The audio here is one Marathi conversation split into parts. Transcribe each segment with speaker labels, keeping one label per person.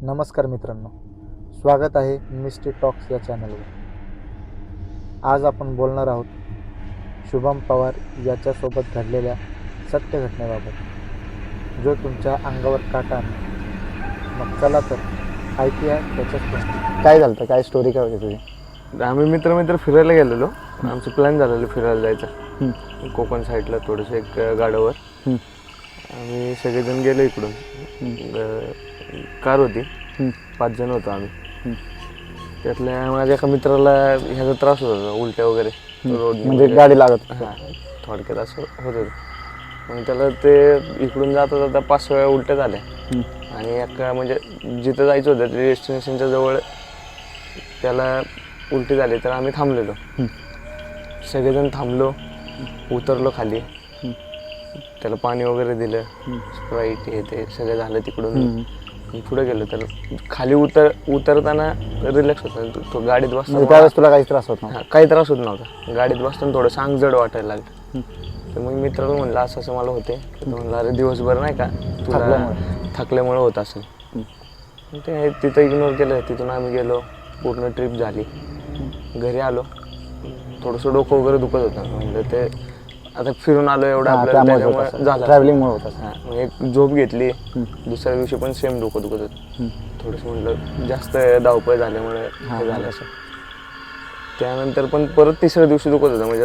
Speaker 1: नमस्कार मित्रांनो, स्वागत आहे मिस्टी टॉक्स या चॅनलवर. आज आपण बोलणार आहोत शुभम पवार याच्यासोबत घडलेल्या सत्य घटनेबाबत, जो तुमच्या अंगावर काटा आणेल. मग चला तर ऐकूया त्याच्याच गोष्टी. काय झालं, काय स्टोरी काय होती तुझी?
Speaker 2: आम्ही मित्र फिरायला गेलेलो. आमचं प्लॅन झालेलं फिरायला जायचं कोकण साईडला, थोडंसं एक गाडावर. आम्ही सगळेजण गेलो इकडून. कार होती, 5 जण होतो आम्ही. त्यातल्या माझ्या एका मित्राला ह्याचा त्रास होत होता, उलट्या वगैरे रोड
Speaker 1: म्हणजे गाडी लागत.
Speaker 2: हां, थोडक्यात असं होत होतं. मग त्याला ते इकडून जाता जाता 5 वेळा उलट्या झाल्या. आणि एका म्हणजे जिथं जायचं होतं ते डेस्टिनेशनच्या जवळ त्याला उलटी झाली, तर आम्ही थांबलेलो. सगळेजण थांबलो, उतरलो खाली, त्याला पाणी वगैरे दिलं, स्प्राईट हे ते सगळं झालं. तिकडून पुढे गेलो तर खाली उतरताना रिलॅक्स होता. तो गाडीत बसताना
Speaker 1: त्यावेळेस तुला काही त्रास होत नव्हता?
Speaker 2: काही त्रास होत नव्हता. गाडीत बसताना थोडं अंग जड वाटायला लागलं. तर मग मित्राला म्हणलं असं असं मला होते. तर म्हणलं अरे दिवसभर नाही का तुला थकल्यामुळे होत असेल. ते तिथं इग्नोर केलं. तिथून आम्ही गेलो, पूर्ण ट्रिप झाली. घरी आलो, थोडंसं डोकं वगैरे दुखत होतं. म्हणलं ते आता फिरून आलो एवढं आपल्याला, त्याच्यामुळे झालं,
Speaker 1: ट्रॅव्हलिंगमुळे होत असेल.
Speaker 2: हां, एक झोप घेतली. दुसऱ्या दिवशी पण सेम डोकं दुखत होतं. थोडंसं म्हणलं जास्त धावपळ झाल्यामुळे हे झालं असं. त्यानंतर पण परत तिसऱ्या दिवशी दुखत होतं, म्हणजे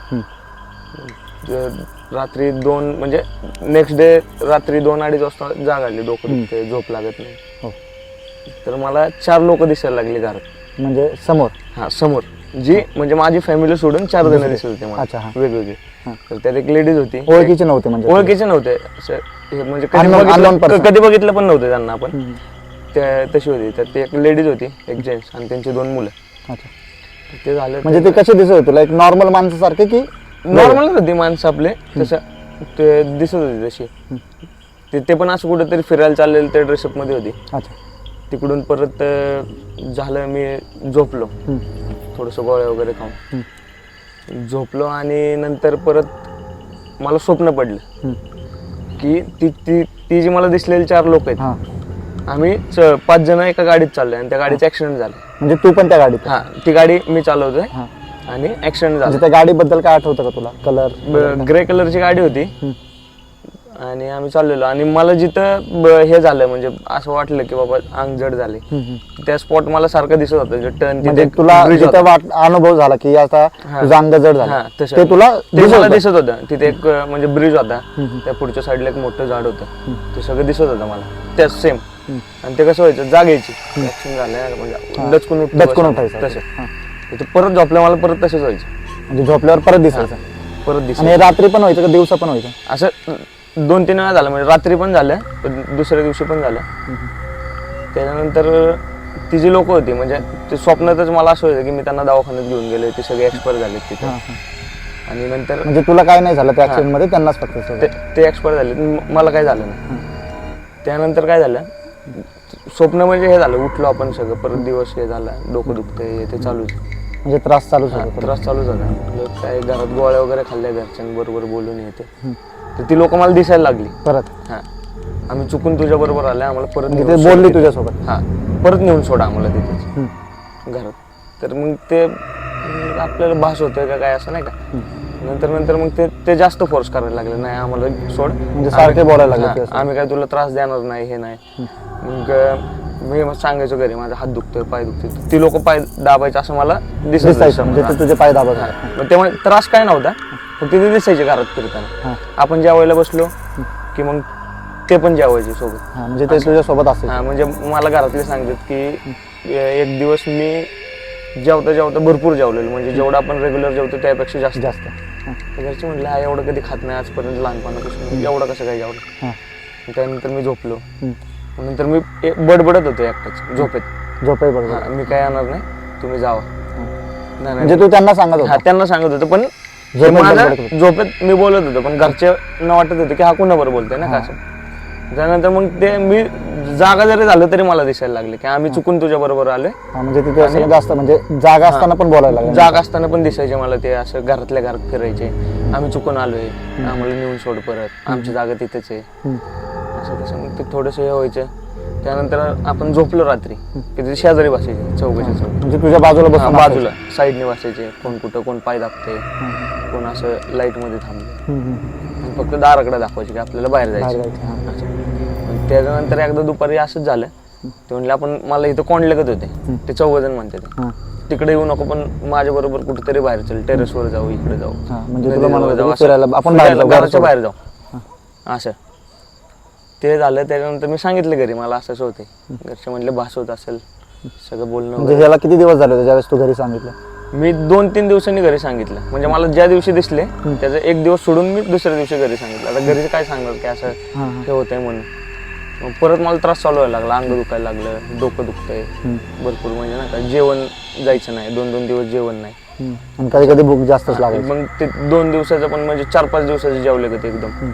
Speaker 2: रात्री 2 म्हणजे नेक्स्ट डे रात्री 2-2:30 वाजता जाग आली, डोकं दुखते, झोप लागत नाही. तर मला 4 लोक दिसायला लागली घरात.
Speaker 1: म्हणजे समोर?
Speaker 2: हां, समोर. जी म्हणजे माझी फॅमिली सोडून 4 जण दिसत होते मला, वेगवेगळे. तर त्यात एक लेडीज होती.
Speaker 1: ओळखीचे नव्हते? म्हणजे
Speaker 2: ओळखीचे नव्हते असं, म्हणजे
Speaker 1: Unknown
Speaker 2: कधी बघितलं पण नव्हतं त्यांना आपण. तशी होती. तर ती एक लेडीज होती, एक जेंट्स आणि त्यांची 2 मुलं.
Speaker 1: अच्छा.
Speaker 2: ते झालं.
Speaker 1: म्हणजे ते कसे दिसत होते तुला? एक नॉर्मल माणसासारखे की?
Speaker 2: नॉर्मलच होती माणसं आपले, तसं ते दिसत होती तशी. ते पण असं कुठेतरी फिरायला चाललेलं त्या ड्रेसअप मध्ये होती.
Speaker 1: अच्छा.
Speaker 2: तिकडून परत झालं, मी झोपलो थोडंसं गोळ्या वगैरे खाऊन झोपलो. आणि नंतर परत मला स्वप्न पडलं की ती जी मला दिसलेली 4 लोक आहेत, आम्ही 5 जण एका गाडीत चाललोय आणि त्या गाडीचा ऍक्सिडेंट झाला.
Speaker 1: म्हणजे तू पण त्या गाडीत?
Speaker 2: हा, ती गाडी मी चालवतोय आणि ऍक्सिडेंट झाला.
Speaker 1: त्या गाडीबद्दल काय आठवतं का तुला? कलर?
Speaker 2: ग्रे कलरची गाडी होती. आणि आम्ही चाललेलो. आणि मला जिथं हे झालं, म्हणजे असं वाटलं की बाबा अंग जड झाले, त्या स्पॉट मला सारखं दिसत होतं. टर्न तिथे
Speaker 1: तुला अनुभव झाला की आता तुझं अंग जड झालं, ते तुला
Speaker 2: दिसत होतं. तिथे एक म्हणजे ब्रिज होता, त्या पुढच्या साईडला एक मोठं झाड होतं. ते सगळं दिसत होतं मला, त्या सेम. आणि ते कसं व्हायचं, जागायची ऍक्सिडेंट झालं म्हणजे दचकून उठायचं तसं. परत झोपल्या मला परत तसंच व्हायचं.
Speaker 1: म्हणजे झोपल्यावर परत दिसायचं? परत दिसायचं. आणि रात्री पण व्हायचं का दिवसा पण व्हायचं?
Speaker 2: असं 2-3 वेळा झालं. म्हणजे रात्री पण झालं, दुसऱ्या दिवशी पण झालं. त्याच्यानंतर ती जी लोक होती, म्हणजे ते स्वप्नातच मला असं होतं की मी त्यांना दवाखान्यात घेऊन गेले, ते सगळे एक्सपायर झाले तिथे. आणि नंतर
Speaker 1: म्हणजे तुला काय नाही झालं त्या ऍक्सिडेंट मध्ये? त्यांनाच फक्त
Speaker 2: ते एक्सपायर झाले, मला काय झालं नाही. त्यानंतर काय झालं, स्वप्न म्हणजे हे झालं, उठलो आपण सगळं, परत दिवस हे झाला, डोकं दुखतंय, ते चालूच.
Speaker 1: म्हणजे त्रास चालूच होता?
Speaker 2: त्रास चालूच होता. काय घरात गोळ्या वगैरे खाल्ल्या, घरच्यांबरोबर बोलून येते. तर ती लोक मला दिसायला लागली परत. हां, आम्ही चुकून तुझ्या बरोबर आले, आम्हाला परत
Speaker 1: बोलली तुझ्यासोबत?
Speaker 2: हां, परत नेऊन सोडा आम्हाला तिथेच घरात. तर मग ते आपल्याला भास होतंय का काय असं नाही का. नंतर मग ते जास्त फोर्स करायला लागले, नाही आम्हाला सोड,
Speaker 1: म्हणजे सारखे बोलायला लागले,
Speaker 2: आम्ही काय तुला त्रास देणार नाही, हे नाही. मग मी सांगायचो घरी माझा हात दुखतोय, पाय दुखतोय. ती लोक पाय दाबायचे असं मला दिसायचं.
Speaker 1: म्हणजे तुझे पाय दाबायचे?
Speaker 2: त्यामुळे त्रास काय नव्हता, फक्त ते दिसायचे घरात फिरताना. आपण जेवायला बसलो की मग ते पण जेवायचे सोबत.
Speaker 1: म्हणजे ते तुझ्या सोबत असेल?
Speaker 2: हां, म्हणजे मला घरातले सांगतात की एक दिवस मी जेवता भरपूर जेवलेलो, म्हणजे जेवढं आपण रेग्युलर जेवतो त्यापेक्षा जास्त. घरचे म्हटलं हा एवढं कधी खात नाही आजपर्यंत लहानपणापासून, एवढं कसं काय जेवलं. त्यानंतर मी झोपलो. नंतर मी बडबडत होतो एकटाच झोपेत. मी काय येणार नाही, तुम्ही जावा.
Speaker 1: म्हणजे तू त्यांना सांगत होता?
Speaker 2: त्यांना सांगत होतो, पण झोपेत मी बोलत होतो, पण घरचे न वाटत होते की हा कुणाबरोबर बोलतोय ना का असं. त्यानंतर मग ते मी जागा जरी झालं तरी मला दिसायला लागले की आम्ही चुकून तुझ्या बरोबर आलोय.
Speaker 1: म्हणजे तिथे जास्त म्हणजे जागा असताना पण बोलायला लागले?
Speaker 2: जागा असताना पण दिसायचे मला ते, असं घरातल्या घरात फिरायचे, आम्ही चुकून आलोय, आम्हाला नेऊन सोड परत, आमची जागा तिथेच आहे, असं तसं. मग ते थोडंसं हे व्हायचं. त्यानंतर आपण झोपलो रात्री की ते शेजारी बसायचे चौघाच्या चौघ
Speaker 3: म्हणजे तुझ्या बाजूला बसून
Speaker 2: बाजूला साईडने बसायचे. कोण कुठं कोण पाय दाबते, कोण असं लाईट मध्ये थांबले आणि फक्त दाराकडे दाखवायचे की आपल्याला बाहेर जायचं. असं. त्याच्यानंतर एकदा दुपारी असंच झालं. ते म्हणले आपण मला इथं कोण लगत होते ते 14 जण म्हणते ते. तिकडे येऊ नको पण माझ्या बरोबर कुठेतरी बाहेर चल, टेरेसवर जाऊ, इकडे जाऊ,
Speaker 3: म्हणजे तुला
Speaker 2: नदीजवळ
Speaker 3: म्हणत
Speaker 2: जाऊ,
Speaker 3: होते
Speaker 2: असं.
Speaker 3: फिरायला आपण बाहेर जाऊ,
Speaker 2: घराच्या बाहेर जाऊ असं. ते झालं. त्याच्यानंतर मी सांगितलं घरी मला असंच होते. घरचे म्हणले भास होत असेल सगळं बोलणं.
Speaker 3: म्हणजे ह्याला किती दिवस झाले होते ज्यावेळेस तू घरी सांगितलं?
Speaker 2: मी 2-3 दिवसांनी घरी सांगितलं. म्हणजे मला ज्या दिवशी दिसले त्याचा एक दिवस सोडून मी दुसऱ्या दिवशी घरी सांगितलं. आता घरी काय सांगणार की असं हे होतंय म्हणून. मग परत मला त्रास चालू व्हायला लागला, अंग दुखायला लागलं, डोकं दुखतंय भरपूर. म्हणजे ना काय जेवण जायचं नाही, 2-2 दिवस जेवण नाही.
Speaker 3: आणि कधी कधी भूक जास्तच लागायची.
Speaker 2: मग ते 2 दिवसाचं पण म्हणजे 4-5 दिवसाचे जेवले का ते एकदम.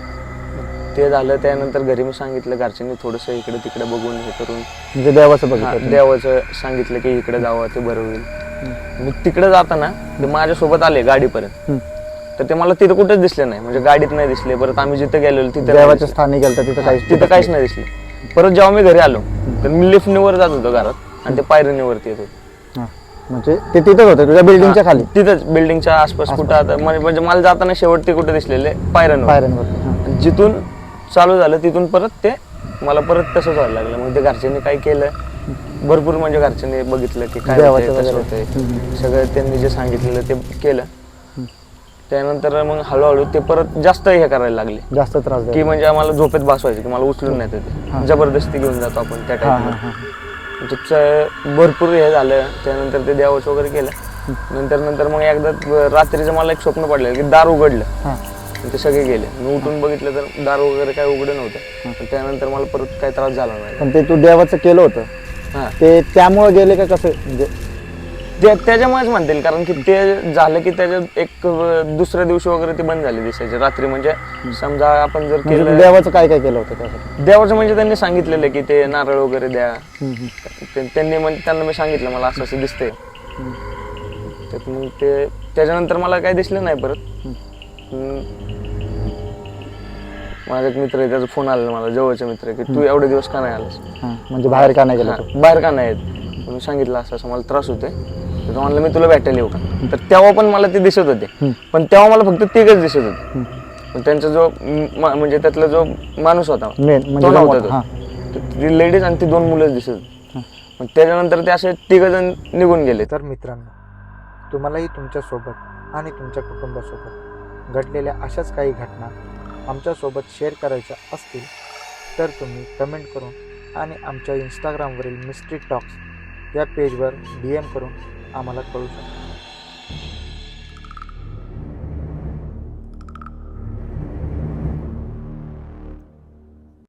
Speaker 2: ते झालं. त्यानंतर घरी मी सांगितलं, घरच्यांनी थोडंसं इकडे तिकडे बघून हे करून
Speaker 3: म्हणजे देवाचं बघितलं.
Speaker 2: देवाचं सांगितलं की इकडे जावं ते बरं होईल. मी तिकडे जाताना ते माझ्यासोबत आले गाडीपर्यंत. तर ते मला तिथं कुठेच दिसले नाही, म्हणजे गाडीत नाही दिसले. परत आम्ही जिथे गेलेलो तिथे
Speaker 3: देवाच्या स्थानी गेलं तिथं
Speaker 2: काहीच नाही दिसले. परत जेव्हा मी घरी आलो तर मी लिफ्टने वर जात होतो घरात आणि ते पायरीने वरती येत होते.
Speaker 3: म्हणजे ते तिथंच होते तुझ्या बिल्डिंगच्या खाली?
Speaker 2: तिथंच बिल्डिंगच्या आसपास कुठं आता म्हणजे मला जाताना शेवट ते कुठे दिसलेले पायऱ्यांवर. जिथून चालू झालं तिथून परत ते मला परत तसंच व्हायला लागलं. मग ते घरच्यांनी काय केलं भरपूर, म्हणजे घरच्यांनी बघितलं की काय होतंय, कसं होतंय, सगळं त्यांनी जे सांगितलेलं ते केलं. त्यानंतर मग हळूहळू ते परत जास्त हे करायला लागले,
Speaker 3: जास्त त्रास
Speaker 2: की म्हणजे आम्हाला झोपेत बसवायचे की मला उचलून नाही ते जबरदस्ती घेऊन जातो आपण त्या टाईप. भरपूर हे झालं. त्यानंतर ते देवाचं वगैरे केलं. नंतर मग एकदा रात्रीचं मला एक स्वप्न पडलं की दार उघडलं. ते सगळे गेले. मी उठून बघितलं तर दार वगैरे काय उघडं नव्हतं. त्यानंतर मला परत काही त्रास झाला नाही.
Speaker 3: पण ते तू देवाचं केलं होतं ते त्यामुळे गेले का कसं? म्हणजे
Speaker 2: त्याच्यामुळेच म्हणतील, कारण की ते झालं की त्याच्यात एक दुसऱ्या दिवशी वगैरे ते बंद झाले दिसायचे रात्री. म्हणजे समजा आपण जर केलं.
Speaker 3: देवाचं काय काय केलं होतं त्यासाठी?
Speaker 2: देवाचं म्हणजे त्यांनी सांगितलेलं की ते नारळ वगैरे द्या. त्यांना मी सांगितलं मला असं असं दिसतंय. मग ते त्याच्यानंतर मला काही दिसलं नाही परत. माझा एक मित्र आहे, त्याचा फोन आला मला, जवळचा मित्र, की तू एवढे दिवस का नाही आलास,
Speaker 3: म्हणजे बाहेर का नाही गेला?
Speaker 2: बाहेर का नाही येत? मी सांगितलं असं असं मला त्रास होतोय. तर म्हणलं मी तुला भेटायला येऊ का? तर तेव्हा पण मला ते दिसत होते, पण तेव्हा मला फक्त तिघच दिसत होते. पण त्यांचा जो म्हणजे त्यातला जो माणूस होता तो नव्हता. ती लेडीज आणि ती 2 मुलं दिसत होती. पण त्याच्यानंतर ते असे 3 जण निघून गेले.
Speaker 1: तर मित्रांनो, तुम्हालाही तुमच्यासोबत आणि तुमच्या कुटुंबासोबत घडलेल्या अशाच काही घटना आमच्यासोबत शेअर करायच्या असतील तर तुम्ही कमेंट करून आणि आमच्या इंस्टाग्रामवरील मिस्ट्री टॉक्स या पेजवर DM करून आम्हाला कळू शकता.